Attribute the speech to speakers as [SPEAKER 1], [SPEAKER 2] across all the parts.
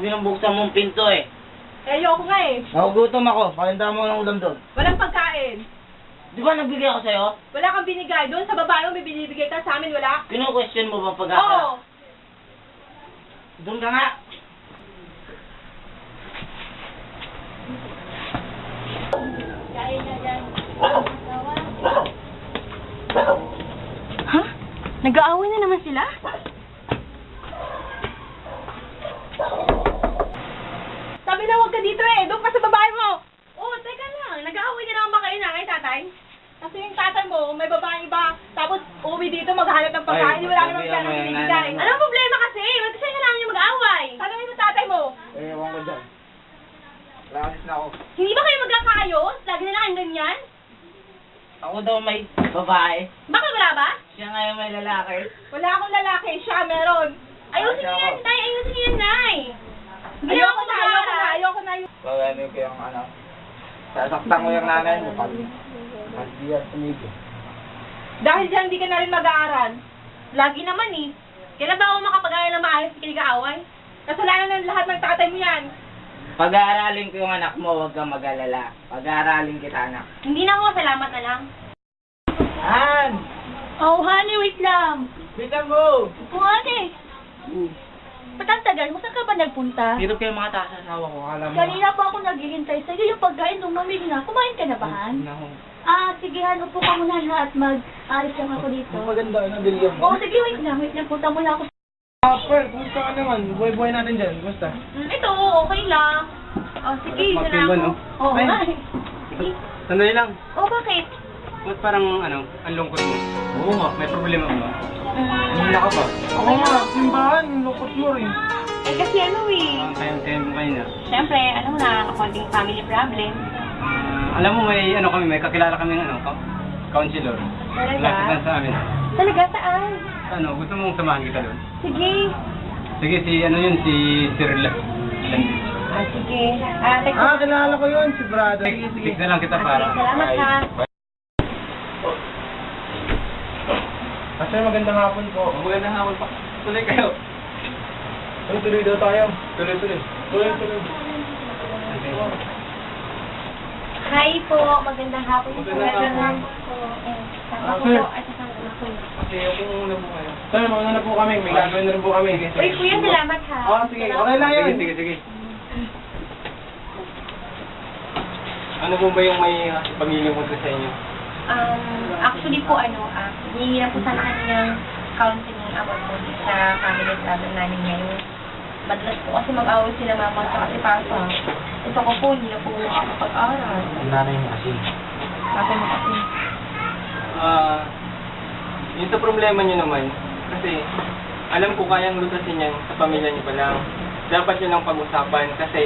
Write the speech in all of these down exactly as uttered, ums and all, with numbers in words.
[SPEAKER 1] binubuksan mong pinto eh.
[SPEAKER 2] Eh, ayoko nga eh.
[SPEAKER 1] Nagugutom ako. Pakinta mo ng ulam doon.
[SPEAKER 2] Walang pagkain.
[SPEAKER 1] Di ba nagbigay ako sa'yo?
[SPEAKER 2] Wala kang binigay. Doon sa babae mo may binibigay ka, sa amin wala.
[SPEAKER 1] Kino-question mo ba pag
[SPEAKER 2] Oo.
[SPEAKER 1] Doon ka nga.
[SPEAKER 2] Ha? Nag-aaway na naman sila? Sabi na huwag ka dito eh. Doon ka sa babae mo. Oh, teka lang. Nag-aaway na naman ba kayo nanay, tatay? Kasi yung tatay mo, may babae iba. Tapos uuwi dito, maghahanap ng pagkain.
[SPEAKER 1] Ay,
[SPEAKER 2] Wala naman
[SPEAKER 1] sabi
[SPEAKER 2] siya
[SPEAKER 1] mo
[SPEAKER 2] nang
[SPEAKER 1] yung
[SPEAKER 2] binibigay.
[SPEAKER 1] nanay mo.
[SPEAKER 2] Anong problema kasi? Ba't kasi kailangan niyo mag-aaway? Sana yung tatay mo.
[SPEAKER 1] Eh, ewan ko dyan. Lakas na ako.
[SPEAKER 2] Hindi ba kayo magkakaayos? Lagi na lang kayong ganyan?
[SPEAKER 1] Ako daw may babae.
[SPEAKER 2] Baka wala ba?
[SPEAKER 1] Siya ngayon may lalaki.
[SPEAKER 2] Wala akong lalaki. Siya meron. Ayusin niyo yan, tay. Ayusin niyo yan, nay. Ayoko na, ayoko na, ayoko na.
[SPEAKER 1] Bagano ko yung ano. Sasaktan ko yung nanay mo pag pag di yan tumigil.
[SPEAKER 2] Dahil dyan, hindi ka na rin mag-aaral. Lagi naman eh. Kailan ba ako makapag-aaral na maayos sa kinigaaway? Kasalanan ng lahat ng tatay mo yan.
[SPEAKER 1] Pag-aaralin ko yung anak mo, huwag kang mag-alala. Pag-aaralin kita, anak.
[SPEAKER 2] Hindi na ako, salamat na lang.
[SPEAKER 1] Han!
[SPEAKER 2] Oh, honey, wait lang.
[SPEAKER 1] Bitan mo!
[SPEAKER 2] Oh, honey. Ba't ang tagal mo? Saan ka ba nagpunta?
[SPEAKER 1] Hirap kayo mga taas asawa ko, alam mo.
[SPEAKER 2] Kanina pa ako naghihintay sa'yo. Yung pagkain lumamig na. Kumain ka na ba, Han?
[SPEAKER 1] Nako.
[SPEAKER 2] Ah, sige, Han. Upo ka muna ha, at mag-aris lang ako dito.
[SPEAKER 1] Maganda, ano, bilyan
[SPEAKER 2] Oo, sige, wait lang. Wait lang. Punta muna ako.
[SPEAKER 1] Ah, Pearl, kumusta ka naman? Buhay-buhay natin dyan, kumusta?
[SPEAKER 2] Mm, ito, okay lang. Oh, sige,
[SPEAKER 3] Parang
[SPEAKER 2] yun na ako.
[SPEAKER 3] magtimba, no?
[SPEAKER 2] Oo,
[SPEAKER 3] Ay.
[SPEAKER 2] nga eh. Sige.
[SPEAKER 3] Sandali lang.
[SPEAKER 2] Oh, bakit?
[SPEAKER 3] Ba't parang, ano, ang lungkot mo?
[SPEAKER 1] Oo nga.
[SPEAKER 3] May problema ba?
[SPEAKER 2] Mm,
[SPEAKER 1] Hina ka ba? Oo nga, simbahan, lukot mo rin.
[SPEAKER 2] eh, kasi ano eh.
[SPEAKER 3] Ang tayo-tayo mo kanina.
[SPEAKER 2] Siyempre, ano mo na, konting family problem.
[SPEAKER 3] Ah, alam mo, may, ano kami, may kakilala kami ng, ano, ka- counselor.
[SPEAKER 2] Talaga?
[SPEAKER 3] Lapit lang sa amin.
[SPEAKER 2] Talaga, saan?
[SPEAKER 3] Ano, gusto mong samahan kita doon?
[SPEAKER 2] Sige.
[SPEAKER 3] Sige, si, ano yun, si Sir La.
[SPEAKER 2] Ah, sige. Ah, text
[SPEAKER 1] Ah, kilala ko yun, si brother.
[SPEAKER 3] Sige na lang kita para.
[SPEAKER 2] Salamat ha.
[SPEAKER 1] Kasi magandang hapon po.
[SPEAKER 3] Magandang hapon pa. Tuloy kayo.
[SPEAKER 1] Tuloy-tuloy daw tayo. Tuloy-tuloy. Tuloy-tuloy.
[SPEAKER 2] Hi po, magandang hapon po.
[SPEAKER 3] Magandang hapon.
[SPEAKER 2] po. Eh, ako po, at saka ako.
[SPEAKER 3] Okay, okay muna po kayo.
[SPEAKER 1] Sir, mga na po kami. May gagawin na rin po kami.
[SPEAKER 2] Uy, kuya, salamat ha.
[SPEAKER 1] Oo, sige. Okay lang yun.
[SPEAKER 3] Sige, sige, sige. Ano po ba yung may uh, pagiging ko sa inyo?
[SPEAKER 2] Um, actually po, ano, ah, hihingi na po sana kanyang counseling about po sa family problem namin ngayon. Madalas po kasi mag-away sila mama at si papa. Ito ko po, hindi na po makakapag-aral.
[SPEAKER 1] Nanay mo kasi.
[SPEAKER 2] Sabi mo kasi.
[SPEAKER 3] Ah, yung sa problema nyo naman, kasi alam ko kayang lutasin yan sa pamilya nyo pa lang. Dapat yun ang pag-usapan kasi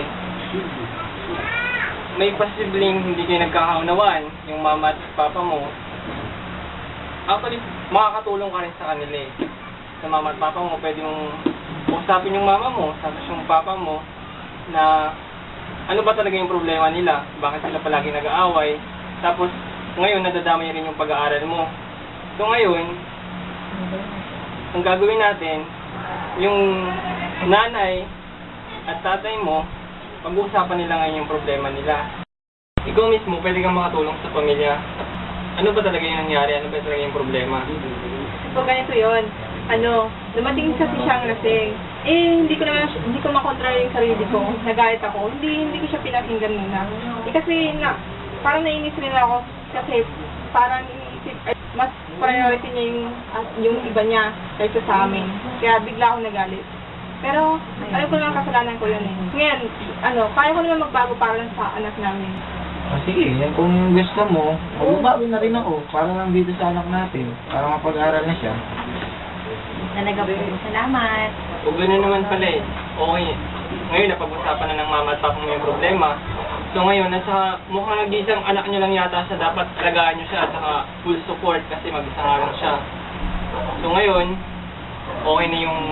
[SPEAKER 3] may posibleng hindi kayo nagkakaunawaan, yung mama at papa mo. Actually, makakatulong ka rin sa kanila eh. Sa mama at papa mo, pwede mong usapin yung mama mo, tapos yung papa mo, na ano ba talaga yung problema nila, bakit sila palagi nag-aaway, tapos ngayon nadadamay rin yung pag-aaral mo. So ngayon, ang gagawin natin, yung nanay at tatay mo, pag-uusapan nila ngayon yung problema nila. Ikaw mismo, pwede kang makatulong sa pamilya. Ano ba talaga yung nangyari? Ano ba talaga yung problema?
[SPEAKER 2] So, ganito yun. Ano, dumating kasi siyang lasing. Eh, hindi ko naman, hindi ko makontrol yung sarili ko. Nagalit ako. Hindi, hindi ko siya pinakinggan muna. Eh, kasi na, parang nainis rin ako. Kasi, parang iniisip, ay, mas priority niya yung, at yung iba niya kaysa sa amin. Kaya bigla ako nagalit. Pero, alam ko naman kasalanan ko yun eh. Ngayon, ano, kaya ko naman magbago para lang sa anak namin.
[SPEAKER 1] Ah, sige, yan kung gusto mo, magbabawi na rin ako para lang dito sa anak natin. Para mapag-aral na siya.
[SPEAKER 2] Talaga po, salamat.
[SPEAKER 3] O gano'n naman pala eh. Okay. Ngayon, napag-usapan na ng mama at papa mo yung problema. So ngayon, nasa mukhang nag-iisang anak nyo lang yata sa dapat alagaan nyo siya at saka full support kasi mag-isa nga lang siya. So ngayon, okay na yung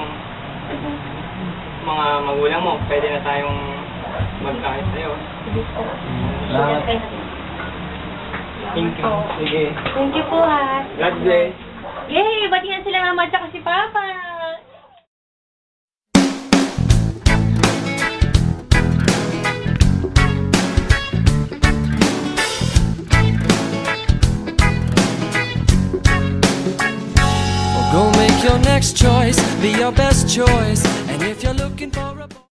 [SPEAKER 3] mga magulang mo. Pwede na tayong magkahit sa'yo.
[SPEAKER 1] Salamat.
[SPEAKER 3] Thank you.
[SPEAKER 1] Sige.
[SPEAKER 2] Thank you po ha.
[SPEAKER 3] God bless.
[SPEAKER 2] Yay! Batihan sila mama at saka si papa.
[SPEAKER 4] your next choice, be your best choice. And if you're looking for a